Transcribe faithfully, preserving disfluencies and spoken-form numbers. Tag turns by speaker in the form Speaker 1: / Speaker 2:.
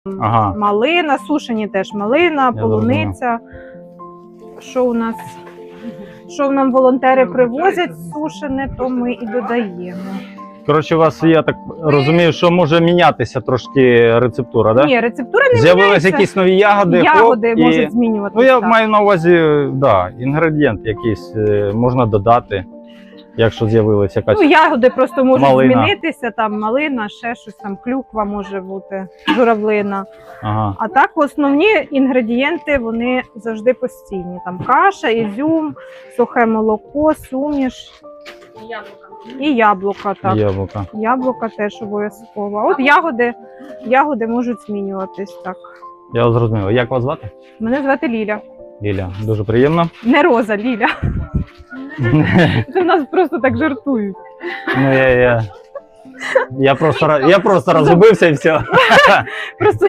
Speaker 1: Ага.
Speaker 2: Малина, сушені теж малина,
Speaker 1: Я
Speaker 2: полуниця. Що у нас? Що нам волонтери привозять сушене, то ми і додаємо.
Speaker 1: Коротше, у вас, я так розумію, що може мінятися трошки рецептура, так? Да?
Speaker 2: Ні, рецептура не
Speaker 1: З'явились
Speaker 2: міняється.
Speaker 1: якісь нові ягоди,
Speaker 2: Ягоди
Speaker 1: хоп, і...
Speaker 2: можуть змінюватися.
Speaker 1: Ну, я
Speaker 2: так.
Speaker 1: маю на увазі, да, інгредієнт якийсь е, можна додати, якщо з'явилася якась.
Speaker 2: Ну, ягоди просто можуть
Speaker 1: малина.
Speaker 2: змінитися, там малина, ще щось, там клюква може бути, журавлина.
Speaker 1: Ага.
Speaker 2: А так основні інгредієнти, вони завжди постійні. Там каша, ізюм, сухе молоко, суміш і яблука. Так.
Speaker 1: Яблука.
Speaker 2: Яблука теж обов'язково. А от ягоди, ягоди можуть змінюватись. Так.
Speaker 1: Я зрозумів. Як вас звати?
Speaker 2: Мене звати Ліля.
Speaker 1: Ліля. Дуже приємно.
Speaker 2: Не Роза, Ліля. Це в нас просто так жартують.
Speaker 1: Ну, я, я, я, просто, ра- я просто розгубився і все.
Speaker 2: Просто